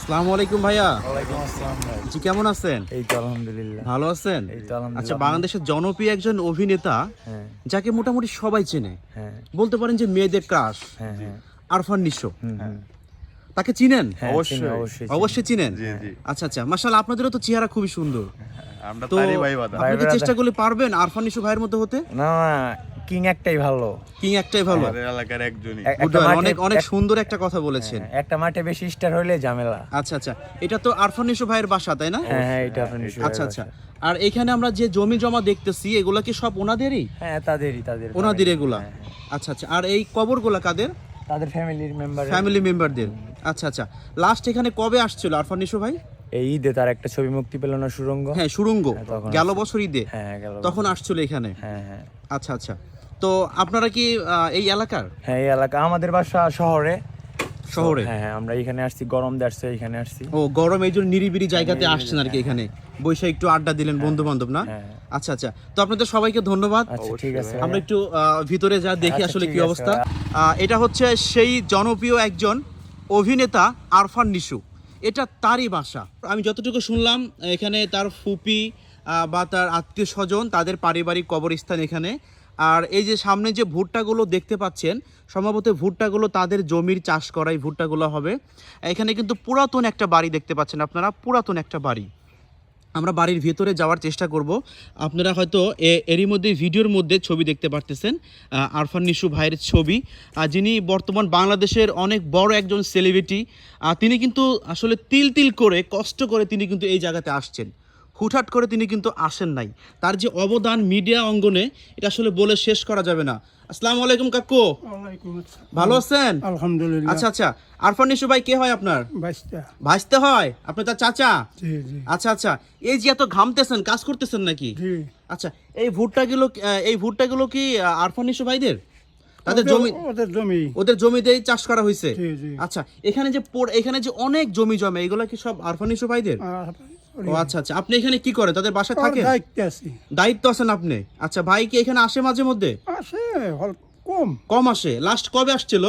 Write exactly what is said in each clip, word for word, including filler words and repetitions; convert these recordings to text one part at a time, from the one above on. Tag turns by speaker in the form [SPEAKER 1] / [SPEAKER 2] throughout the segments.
[SPEAKER 1] আসসালামু আলাইকুম ভাইয়া।
[SPEAKER 2] ওয়ালাইকুম আসসালাম ভাই।
[SPEAKER 1] জি কেমন আছেন?
[SPEAKER 2] এই তো আলহামদুলিল্লাহ।
[SPEAKER 1] ভালো আছেন?
[SPEAKER 2] এই তো আলহামদুলিল্লাহ।
[SPEAKER 1] আচ্ছা, বাংলাদেশের জনপ্রিয় একজন অভিনেতা
[SPEAKER 2] হ্যাঁ
[SPEAKER 1] যাকে মোটামুটি সবাই চেনে,
[SPEAKER 2] হ্যাঁ
[SPEAKER 1] বলতে পারেন যে মেয়েদের ক্রাশ,
[SPEAKER 2] হ্যাঁ হ্যাঁ
[SPEAKER 1] আরফান নিশো।
[SPEAKER 2] হুম, হুম।
[SPEAKER 1] তাকে চিনেন?
[SPEAKER 2] হ্যাঁ,
[SPEAKER 3] অবশ্যই।
[SPEAKER 2] চিনি, অবশ্যই চিনি।
[SPEAKER 1] অবশ্যই চিনেন।
[SPEAKER 3] জি জি
[SPEAKER 1] আচ্ছা আচ্ছা, মাশাআল্লাহ, আপনাদেরও তো চেহারা খুবই সুন্দর।
[SPEAKER 3] আমরা
[SPEAKER 1] তো
[SPEAKER 3] তারই ভাই বাদা
[SPEAKER 1] আপনি কি
[SPEAKER 2] ভাই
[SPEAKER 1] চেষ্টা করলে পারবেন আরফান নিশো ভাইয়ের মতো হতে?
[SPEAKER 2] না না, কিং একটাই ভালো।
[SPEAKER 1] কিং একটাই ভালো।
[SPEAKER 3] আমাদের এলাকার একজনই
[SPEAKER 2] এক-
[SPEAKER 1] Good
[SPEAKER 2] একটা
[SPEAKER 1] boy,
[SPEAKER 2] মাঠে-
[SPEAKER 1] অনেক অনেক
[SPEAKER 2] এক-
[SPEAKER 1] সুন্দর একটা কথা বলেছেন।
[SPEAKER 2] হ্যাঁ, একটা মাঠে বেশি স্টার হইলে ঝামেলা।
[SPEAKER 1] আচ্ছা আচ্ছা, এটা তো আরফান নিশো ভাইয়ের বাসা, তাই না?
[SPEAKER 2] হ্যাঁ হ্যাঁ, এটা আপনি নিশ্চয়ই
[SPEAKER 1] আচ্ছা আচ্ছা,
[SPEAKER 2] ভালোবাসেন।
[SPEAKER 1] আর এখানে আমরা যে জমি জমা দেখতেছি এগুলা কি সব ওনাদেরই?
[SPEAKER 2] হ্যাঁ, তাদেরই তাদের
[SPEAKER 1] ওনাদের এগুলা?
[SPEAKER 2] হ্যাঁ, হ্যাঁ।
[SPEAKER 1] আচ্ছা আচ্ছা, আর এই কবরগুলা কাদের?
[SPEAKER 2] তাদের ফ্যামিলির মেম্বার।
[SPEAKER 1] ফ্যামিলি মেম্বারদের। আচ্ছা আচ্ছা, লাস্ট এখানে কবে আসছিল আরফান নিশো ভাই?
[SPEAKER 2] এই ঈদে তার একটা ছবি মুক্তি পেল না, সুরঙ্গ।
[SPEAKER 1] হ্যাঁ, সুরঙ্গ,
[SPEAKER 2] হ্যাঁ, তখন
[SPEAKER 1] গেল
[SPEAKER 2] আসছে।
[SPEAKER 1] বছর ঈদে
[SPEAKER 2] হ্যাঁ গেল
[SPEAKER 1] তখন
[SPEAKER 2] বছর।
[SPEAKER 1] আসছিল এখানে।
[SPEAKER 2] হ্যাঁ হ্যাঁ
[SPEAKER 1] আচ্ছা আচ্ছা, তো আপনারা কি আহ, এই এলাকার?
[SPEAKER 2] হ্যাঁ, এই এলাকা আমাদের বাসা শহরে।
[SPEAKER 1] শহরে?
[SPEAKER 2] হ্যাঁ হ্যাঁ, আমরা এখানে আসছি, গরম দেখছে এখানে আসছি।
[SPEAKER 1] ও, গরম এই জন্য নিরিবিলি জায়গাতে আসছেন আর কি, এখানে বৈশা একটু আড্ডা দিলেন বন্ধু বান্ধব না?
[SPEAKER 2] হ্যাঁ।
[SPEAKER 1] আচ্ছা আচ্ছা, তো আপনাদের সবাইকে ধন্যবাদ।
[SPEAKER 2] আচ্ছা ঠিক আছে।
[SPEAKER 1] আমরা একটু আহ, ভিতরে যা দেখি
[SPEAKER 2] আচ্ছা,
[SPEAKER 1] আসলে
[SPEAKER 2] ঠিক
[SPEAKER 1] কি
[SPEAKER 2] আছে,
[SPEAKER 1] অবস্থা। আহ, এটা হচ্ছে সেই জনপ্রিয় একজন অভিনেতা আরফান নিশো, এটা তারই বাসা। আমি যতটুকু শুনলাম এখানে তার ফুপি আহ, বা তার আত্মীয় স্বজন, তাদের পারিবারিক কবরস্থান এখানে। আর এই যে সামনে যে ভুট্টাগুলো দেখতে পাচ্ছেন, সম্ভবত ভুট্টাগুলো তাদের জমির চাষ করা এই ভুট্টাগুলো হবে। এখানে কিন্তু পুরাতন একটা বাড়ি দেখতে পাচ্ছেন আপনারা, পুরাতন একটা বাড়ি। আমরা বাড়ির ভেতরে যাওয়ার চেষ্টা করব। আপনারা হয়তো এ- এরই মধ্যে ভিডিওর মধ্যে ছবি দেখতে পারতেছেন, আহ, আরফান নিশো ভাইয়ের ছবি, আহ, যিনি বর্তমান বাংলাদেশের অনেক বড় একজন সেলিব্রিটি। তিনি কিন্তু আসলে তিল তিল করে কষ্ট করে তিনি কিন্তু এই জায়গাতে আসছেন, হুটহাট করে তিনি কিন্তু আসেন নাই। তার যে অবদান মিডিয়া অঙ্গনে, এটা আসলে বলে শেষ করা যাবে না। আসসালামু আলাইকুম কাকু,
[SPEAKER 4] ওয়ালাইকুম আসসালাম।
[SPEAKER 1] ভালো আছেন?
[SPEAKER 4] আলহামদুলিল্লাহ।
[SPEAKER 1] আচ্ছা আচ্ছা, আরফান নিশো ভাই কে হয় আপনার?
[SPEAKER 4] বাইশটা।
[SPEAKER 1] ভাসতে হয়? আপনি তার চাচা?
[SPEAKER 4] জি জি
[SPEAKER 1] আচ্ছা আচ্ছা, এই যে এত ঘামতেছেন, কাজ করতেছেন নাকি?
[SPEAKER 4] জি।
[SPEAKER 1] আচ্ছা, এই ভুট্টাগুলো আহ, এই ভুট্টাগুলো কি আহ, আরফান নিশো ভাইদের? তাদের
[SPEAKER 4] ওদের-
[SPEAKER 1] জমি,
[SPEAKER 4] ওদের জমি।
[SPEAKER 1] ওদের জমিতেই চাষ করা হয়েছে?
[SPEAKER 4] জি জি।
[SPEAKER 1] আচ্ছা, এখানে যে পড়- এখানে যে অনেক জমি জমে, এগুলো কি সব আরফান নিশো ভাইদের?
[SPEAKER 4] আর
[SPEAKER 1] ও আচ্ছা আচ্ছা, আপনি এখানে কি করেন? তাদের বাসায়
[SPEAKER 4] ওর
[SPEAKER 1] থাকেন?
[SPEAKER 4] দায়িত্বে আছি।
[SPEAKER 1] দায়িত্ব আছেন আপনি? আচ্ছা, ভাই কি এখানে আসে মাঝে মধ্যে?
[SPEAKER 4] আসে হল কম।
[SPEAKER 1] কম আসে? লাস্ট কবে আসছিল?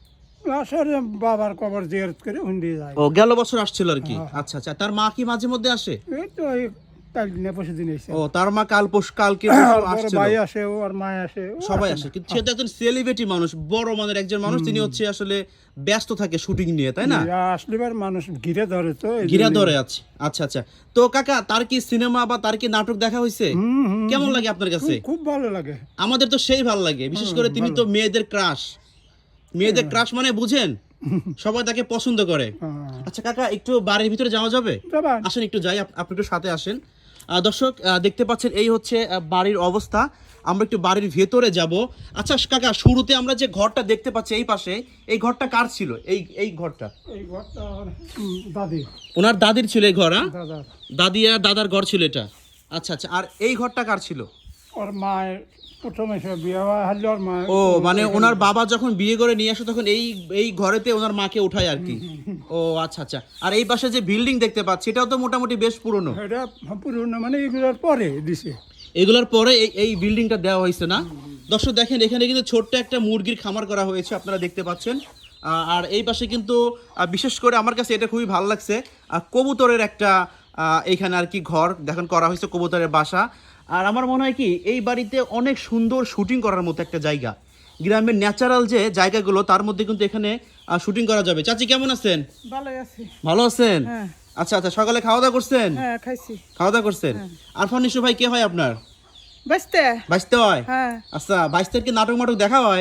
[SPEAKER 4] আসে বাবার কবর জিয়ারত করে হুন্ডি যায়।
[SPEAKER 1] ও, গেল বছর আসছিল আর কি।
[SPEAKER 4] হ্যাঁ।
[SPEAKER 1] আচ্ছা আচ্ছা, তার মা কি মাঝে মধ্যে আসে?
[SPEAKER 4] এই তো এই কাল দিনে পরশু দিন এসে।
[SPEAKER 1] ও, তার মা কাল পোষ কালকে
[SPEAKER 4] আর
[SPEAKER 1] বছর
[SPEAKER 4] বড়
[SPEAKER 1] আসছিল।
[SPEAKER 4] ভাই আসে, ওর মা আসে, ও
[SPEAKER 1] সবাই
[SPEAKER 4] আসে
[SPEAKER 1] আসে,
[SPEAKER 4] না।
[SPEAKER 1] কিন্তু সে তো একজন সেলিব্রিটি মানুষ, বড় মানের একজন মানুষ, তিনি হচ্ছে আসলে ব্যস্ত থাকে শুটিং নিয়ে, তাই না?
[SPEAKER 4] জি, আসলে এবার মানুষ ঘিরে ধরে তো এই
[SPEAKER 1] ঘিরা
[SPEAKER 4] জন্যই।
[SPEAKER 1] ধরে আছে। আচ্ছা আচ্ছা, তো কাকা, তার কি সিনেমা বা তার কি নাটক দেখা হয়েছে?
[SPEAKER 4] হুম, হুম,
[SPEAKER 1] কেমন লাগে আপনার কাছে?
[SPEAKER 4] খুব- খুব ভালো লাগে।
[SPEAKER 1] আমাদের তো সেই ভালো লাগে, বিশেষ করে তিনি তো মেয়েদের ক্রাশ, মেয়েদের ক্রাশ মানে বুঝেন, সবাই তাকে পছন্দ করে।
[SPEAKER 4] হ্যাঁ।
[SPEAKER 1] আচ্ছা কাকা, একটু বাড়ির ভিতরে যাওয়া যাবে?
[SPEAKER 4] যাবেন?
[SPEAKER 1] আসেন একটু যাই, আপ- আপনি একটু সাথে আসেন। আহ, দর্শক আহ, দেখতে পাচ্ছেন এই হচ্ছে আহ, বাড়ির অবস্থা। আমরা একটু বাড়ির ভেতরে যাব। আচ্ছা কাকা, শুরুতে আমরা যে ঘরটা দেখতে পাচ্ছি এই পাশে, এই ঘরটা কার ছিল? এই এই ঘরটা
[SPEAKER 4] এই ঘরটা ওর, হুম, দাদি
[SPEAKER 1] ওনার দাদির ছিল এই ঘর? হ্যাঁ?
[SPEAKER 4] দাদা
[SPEAKER 1] দাদি আর দাদার ঘর ছিল এটা? আচ্ছা আচ্ছা, আর এই ঘরটা কার ছিল?
[SPEAKER 4] ওর মায়ের প্রথমে সে বিয়ে হয় হারলে ওর মা।
[SPEAKER 1] ও, মানে ওনার বাবা যখন বিয়ে করে নিয়ে আসে তখন এই এই ঘরেতে ওনার মাকে উঠায় আর কি। ও আচ্ছা আচ্ছা, আর এই পাশে যে বিল্ডিং দেখতে পাচ্ছি, এটাও তো মোটামুটি বেশ পুরনো।
[SPEAKER 4] এটা পুরনো মানে এগুলোর পরে দিছে।
[SPEAKER 1] এগুলোর পরে এই এই বিল্ডিংটা দেওয়া হয়েছে না? দর্শক দেখেন, এখানে কিন্তু ছোট্ট একটা মুরগির খামার করা হয়েছে, আপনারা দেখতে পাচ্ছেন। আহ, আর এই পাশে কিন্তু আহ, বিশেষ করে আমার কাছে এটা খুবই ভালো লাগছে, আহ, কবুতরের একটা আহ, এইখানে আর কি ঘর দেখেন করা হয়েছে, কবুতরের বাসা। আর আমার মনে হয় কি এই বাড়িতে অনেক সুন্দর শুটিং করার মতো একটা জায়গা, গ্রামের ন্যাচারাল যে জায়গাগুলো তার মধ্যে কিন্তু এখানে শুটিং করা যাবে। চাচি কেমন আছেন?
[SPEAKER 5] ভালো আছি।
[SPEAKER 1] ভালো আছেন?
[SPEAKER 5] হ্যাঁ
[SPEAKER 1] আচ্ছা আচ্ছা, সকালে খাওয়া দাওয়া করছেন?
[SPEAKER 5] হ্যাঁ খাইছি।
[SPEAKER 1] খাওয়া দাওয়া করছেন? আরফান নিশো ভাই কে হয় আপনার?
[SPEAKER 5] বাঁচতে
[SPEAKER 1] বাইশতে হয়?
[SPEAKER 5] হ্যাঁ
[SPEAKER 1] আচ্ছা, বাইশতের কি নাটক মাটক দেখা হয়?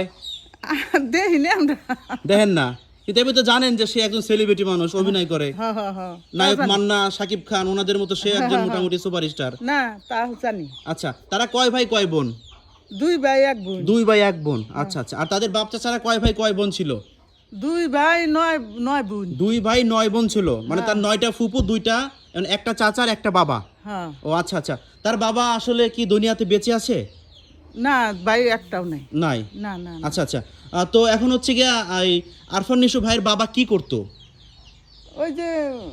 [SPEAKER 5] দেখিনি আমরা।
[SPEAKER 1] দেখেন না, কিন্তু আপনি তো জানেন যে সে একজন সেলিব্রিটি মানুষ, অভিনয় করে।
[SPEAKER 5] হ্যাঁ হ্যাঁ হ্যাঁ
[SPEAKER 1] নায়ক মান্না, শাকিব খান, ওনাদের মতো সে একজন মোটামুটি সুপারস্টার।
[SPEAKER 5] না তা জানি।
[SPEAKER 1] আচ্ছা, তারা কয় ভাই কয় বোন?
[SPEAKER 5] দুই ভাই এক বোন।
[SPEAKER 1] দুই ভাই এক বোন। আচ্ছা আচ্ছা, আর তাদের বাপ চাচারা কয় ভাই কয় বোন ছিল?
[SPEAKER 5] দুই ভাই নয় নয় বোন।
[SPEAKER 1] দুই ভাই নয় বোন ছিল, মানে তার নয়টা ফুপু, দুইটা মানে একটা চাচা আর একটা বাবা।
[SPEAKER 5] হ্যাঁ
[SPEAKER 1] ও আচ্ছা আচ্ছা, তার বাবা আসলে কি দুনিয়াতে বেঁচে আছে?
[SPEAKER 5] না ভাই একটাও নাই।
[SPEAKER 1] নাই?
[SPEAKER 5] না না না।
[SPEAKER 1] আচ্ছা আচ্ছা, আহ, তো এখন হচ্ছে গিয়া এই আরফান নিশো ভাইয়ের বাবা কি করতো?
[SPEAKER 5] ওই যে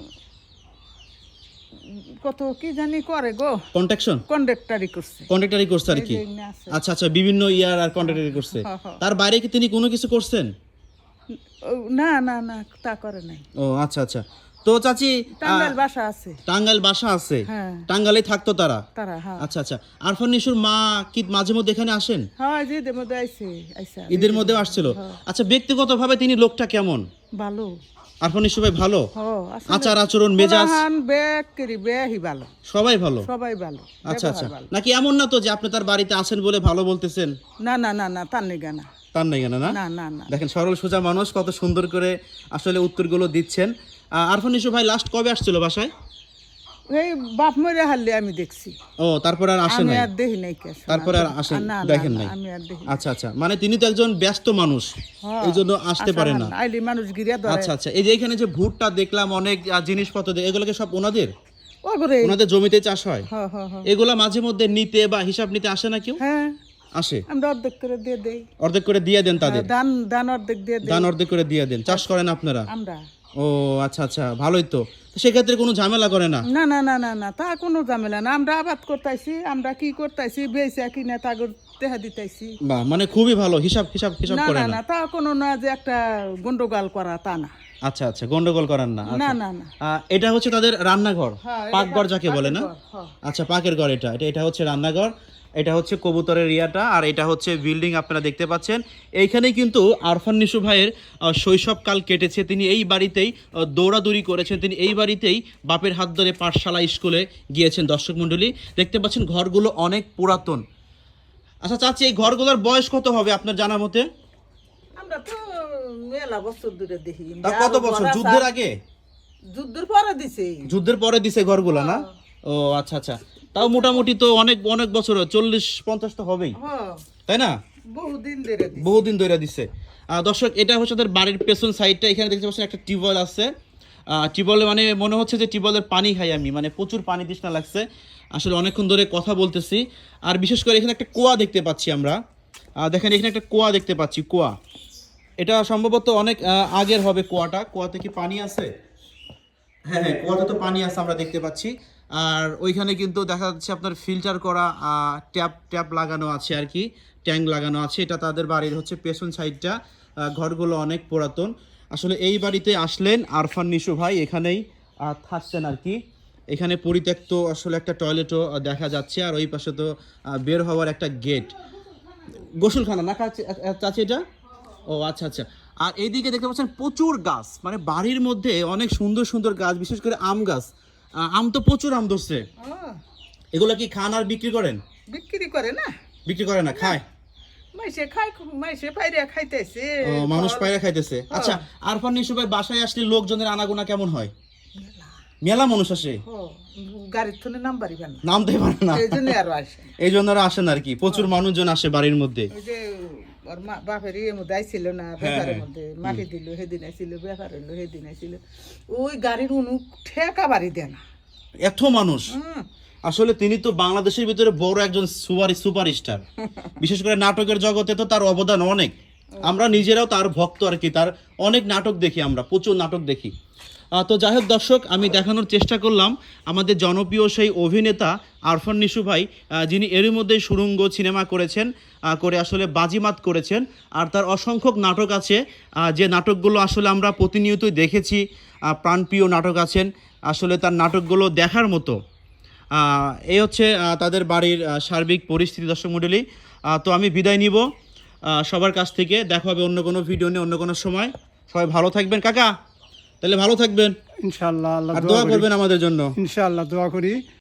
[SPEAKER 5] কত কি জানি করে গো,
[SPEAKER 1] কন্ট্রাকশন,
[SPEAKER 5] কন্ডাক্টারি করছে।
[SPEAKER 1] কন্ট্রাক্টরি করছে আর
[SPEAKER 5] এই
[SPEAKER 1] কি।
[SPEAKER 5] যে এখানে আছে।
[SPEAKER 1] আচ্ছা আচ্ছা, বিভিন্ন ইয়ার আর কন্ট্রাক্টরি করছে।
[SPEAKER 5] হ্যাঁ, হ্যাঁ।
[SPEAKER 1] তার বাইরে কি তিনি কোনো কিছু করছেন?
[SPEAKER 5] ও, না না না তা করে নাই।
[SPEAKER 1] ও আচ্ছা আচ্ছা, তো চাচি
[SPEAKER 5] টাঙ্গাইল বাসা আছে
[SPEAKER 1] টাঙ্গাইল বাসা আছে,
[SPEAKER 5] হ্যাঁ।
[SPEAKER 1] টাঙ্গাইলে থাকতো তারা।
[SPEAKER 5] তারা হ্যাঁ
[SPEAKER 1] আচ্ছা আচ্ছা, আরফান নিশুর মা কি মাঝে মধ্যে এখানে আসেন?
[SPEAKER 5] হ্যাঁ যে ঈদের মধ্যে আইছে আইসা
[SPEAKER 1] ঈদের মধ্যেও আসছিল। আচ্ছা, ব্যক্তিগতভাবে তিনি লোকটা কেমন?
[SPEAKER 5] ভালো
[SPEAKER 1] আরফান নিশু ভাই ভালো?
[SPEAKER 5] হ আসলে
[SPEAKER 1] আচার আচরণ মেজাজ
[SPEAKER 5] হান ব্যাগ করি বেহি ভালো,
[SPEAKER 1] সবাই ভালো?
[SPEAKER 5] সবাই ভালো,
[SPEAKER 1] আচ্ছা আচ্ছা,
[SPEAKER 5] ব্যবহার ভালো।
[SPEAKER 1] নাকি এমন না তো যে আপনি তার বাড়িতে আছেন বলে ভালো বলতেছেন?
[SPEAKER 5] না না না না তার নেই না
[SPEAKER 1] তার নাই কেন না?
[SPEAKER 5] না না না
[SPEAKER 1] দেখেন সরল সোজা মানুষ কত সুন্দর করে আসলে উত্তরগুলো দিচ্ছেন। আহ, আরফান নিশু ভাই লাস্ট কবে আসছিল বাসায়?
[SPEAKER 5] এই বাপ মরে হারলে আমি দেখছি,
[SPEAKER 1] ও, তারপর আর আসে
[SPEAKER 5] আমি
[SPEAKER 1] নাই?
[SPEAKER 5] আর দেখি নাই কে শোনা।
[SPEAKER 1] তারপরে আর আসেন
[SPEAKER 5] না, না,
[SPEAKER 1] দেখেন
[SPEAKER 5] না,
[SPEAKER 1] নাই?
[SPEAKER 5] আমি আর দেখি
[SPEAKER 1] আচ্ছা আচ্ছা, মানে তিনি তো একজন ব্যস্ত মানুষ,
[SPEAKER 5] হ্যাঁ,
[SPEAKER 1] এই জন্য আসতে পারে না।
[SPEAKER 5] আইলি মানুষ গিরিয়া ধরে
[SPEAKER 1] আচ্ছা আচ্ছা, এই যে এখানে যে ভুট্টা দেখলাম অনেক আহ, জিনিসপত্র দে- এগুলোকে সব ওনাদের
[SPEAKER 5] ও করে
[SPEAKER 1] ওনাদের জমিতে চাষ হয়?
[SPEAKER 5] হ্যাঁ হ্যাঁ হ্যাঁ
[SPEAKER 1] এগুলা মাঝে মধ্যে নিতে বা হিসাব নিতে আসে না কেউ?
[SPEAKER 5] হ্যাঁ
[SPEAKER 1] আসে,
[SPEAKER 5] আমরা অর্ধেক করে দিয়ে দেই,
[SPEAKER 1] অর্ধেক করে দিয়ে দেন তাদের?
[SPEAKER 5] দান দান অর্ধেক দিয়ে দেই
[SPEAKER 1] দান অর্ধেক করে দিয়ে দেন, চাষ করেন আপনারা?
[SPEAKER 5] আমরা।
[SPEAKER 1] ও আচ্ছা আচ্ছা, ভালোই তো। তো সেক্ষেত্রে কোনো ঝামেলা করে না?
[SPEAKER 5] না না না না না তা কোনো ঝামেলা না, আমরা আবাদ করতেছি, আমরা কি করতেছি বেচা কিনা তাগর তেহা দিতেছি।
[SPEAKER 1] বাহ, মানে খুবই ভালো, হিসাব হিসাব হিসাব
[SPEAKER 5] না
[SPEAKER 1] করে
[SPEAKER 5] না
[SPEAKER 1] না?
[SPEAKER 5] না তা কোনো না যে একটা গন্ডগোল করা তা না।
[SPEAKER 1] আচ্ছা আচ্ছা, গন্ডগোল করেন না?
[SPEAKER 5] না
[SPEAKER 1] আচ্ছা।
[SPEAKER 5] না না
[SPEAKER 1] আহ, এটা হচ্ছে তাদের রান্নাঘর,
[SPEAKER 5] হ্যাঁ, এটা
[SPEAKER 1] পাকঘর যাকে বলে না?
[SPEAKER 5] পাকের ঘর, হ্যাঁ।
[SPEAKER 1] আচ্ছা, পাকের ঘর এটা এটা এটা হচ্ছে রান্নাঘর, এটা হচ্ছে কবুতরের ইয়াটা, আর এটা হচ্ছে বিল্ডিং আপনারা দেখতে পাচ্ছেন। এইখানেই কিন্তু আরফান নিশু ভাইয়ের আহ, শৈশবকাল কেটেছে। তিনি এই বাড়িতেই আহ, দৌড়াদৌড়ি করেছেন, তিনি এই বাড়িতেই বাপের হাত ধরে পাঠশালা স্কুলে গিয়েছেন। দর্শক মণ্ডলী দেখতে পাচ্ছেন ঘরগুলো অনেক পুরাতন। আচ্ছা চাচি, এই ঘরগুলোর বয়স কত হবে আপনার জানা মতে?
[SPEAKER 5] আমরা তো মেলা বছর ধরে দেখি।
[SPEAKER 1] তা কত বছর? যুদ্ধের আগে?
[SPEAKER 5] যুদ্ধের পরে দিছে।
[SPEAKER 1] যুদ্ধের পরে দিছে ঘরগুলো না? ও আচ্ছা আচ্ছা, তাও মোটামুটি তো অনেক অনেক বছর, চল্লিশ পঞ্চাশ তো হবেই,
[SPEAKER 5] হ্যাঁ
[SPEAKER 1] তাই না?
[SPEAKER 5] বহুদিন ধরে দিছে।
[SPEAKER 1] বহুদিন ধরে দিছে। আহ, দর্শক, এটা হচ্ছে তাদের বাড়ির পেছন সাইডটা। এখানে দেখতে পাচ্ছেন একটা টিউবওয়েল আছে। টিউবওয়েলে মানে মনে হচ্ছে যে টিউবওয়েলের পানি খাই আমি, মানে প্রচুর পানি তৃষ্ণা লাগছে। আসলে অনেকক্ষণ ধরে কথা বলতেছি। আর বিশেষ করে এখানে একটা কুয়া দেখতে পাচ্ছি আমরা। আহ, দেখেন এখানে একটা কুয়া দেখতে পাচ্ছি, কুয়া। এটা সম্ভবত অনেক আহ, আগের হবে কুয়াটা। কুয়াতে কি পানি আছে? হ্যাঁ হ্যাঁ, কুয়াতে তো পানি আছে আমরা দেখতে পাচ্ছি। আর ওইখানে কিন্তু দেখা যাচ্ছে আপনার ফিল্টার করা ট্যাপ ট্যাপ লাগানো আছে আর কি, ট্যাঙ্ক লাগানো আছে। এটা তাদের বাড়ির হচ্ছে পেছন সাইডটা। আহ, ঘরগুলো অনেক পুরাতন। আসলে এই বাড়িতে আসলেন আরফান নিশু ভাই, এখানেই আহ, থাকছেন আর কি। এখানে পরিত্যক্ত আসলে একটা টয়লেটও আহ, দেখা যাচ্ছে। আর ওই পাশে তো আহ, বের হওয়ার একটা গেট, গোসলখানা না কাছে- আহ, চাচি এটা? ও আচ্ছা আচ্ছা। আর এইদিকে দেখতে পাচ্ছেন প্রচুর গাছ, মানে বাড়ির মধ্যে অনেক সুন্দর সুন্দর গাছ, বিশেষ করে আম গাছ। আহ, আম তো প্রচুর আম ধরছে।
[SPEAKER 5] ও,
[SPEAKER 1] এগুলো কি খান আর বিক্রি করেন?
[SPEAKER 5] বিক্রি করে না,
[SPEAKER 1] বিক্রি করে না, খায়?
[SPEAKER 5] মাইসে খাই, মাইসে পাইরে খাইতেছে।
[SPEAKER 1] ও, মানুষ পায়রা খাইতেছে। আচ্ছা, আরফান নিশু ভাই বাসায় আসলে লোকজনের আনাগোনা কেমন হয়? মেলা মানুষ আসে,
[SPEAKER 5] ও, গাড়ির থনে নাম পারিবেন না,
[SPEAKER 1] নামতে পারে না,
[SPEAKER 5] এই জন্য আরো আসে।
[SPEAKER 1] এই জন্য ওরা আসেন আর কি। প্রচুর মানুষজন আসে বাড়ির মধ্যে।
[SPEAKER 5] ওই যে ওর মা বাপের ইয়ের মধ্যে আইছিল না, ব্যাপারের মধ্যে মাটি দিল সেদিন আইছিল, ব্যাপার হইলো সেদিন আইছিল। ওই গাড়ির উনু ঠেকা বাড়ি দেয় না।
[SPEAKER 1] এত মানুষ!
[SPEAKER 5] হুম,
[SPEAKER 1] আসলে তিনি তো বাংলাদেশের ভিতরে বড় একজন সুপার সুপারস্টার। বিশেষ করে নাটকের জগতে তো তার অবদান অনেক। আমরা নিজেরাও তার ভক্ত আর কি, তার অনেক নাটক দেখি আমরা, প্রচুর নাটক দেখি। আহ, তো যাই হোক দর্শক, আমি দেখানোর চেষ্টা করলাম আমাদের জনপ্রিয় সেই অভিনেতা আরফান নিশু ভাই, আহ, যিনি এরই মধ্যে সুড়ঙ্গ সিনেমা করেছেন, আহ, করে আসলে বাজিমাত করেছেন। আর তার অসংখ্য নাটক আছে, আহ, যে নাটকগুলো আসলে আমরা প্রতিনিয়তই দেখেছি। আহ, প্রাণপ্রিয় নাটক আছেন, আসলে তার নাটকগুলো দেখার মতো। আহ, এই হচ্ছে আহ, তাদের বাড়ির আহ, সার্বিক পরিস্থিতি। দর্শক মণ্ডলী, আহ, তো আমি বিদায় নিব আহ, সবার কাছ থেকে। দেখা হবে অন্য কোনো ভিডিও নিয়ে অন্য কোনো সময়। সবাই ভালো থাকবেন কাকা, তাহলে ভালো থাকবেন
[SPEAKER 4] ইনশাআল্লাহ, আল্লাহ
[SPEAKER 1] আর
[SPEAKER 4] দোয়া
[SPEAKER 1] দোয়া
[SPEAKER 4] করি।
[SPEAKER 1] করবেন আমাদের জন্য।
[SPEAKER 4] ইনশাআল্লাহ দোয়া করি।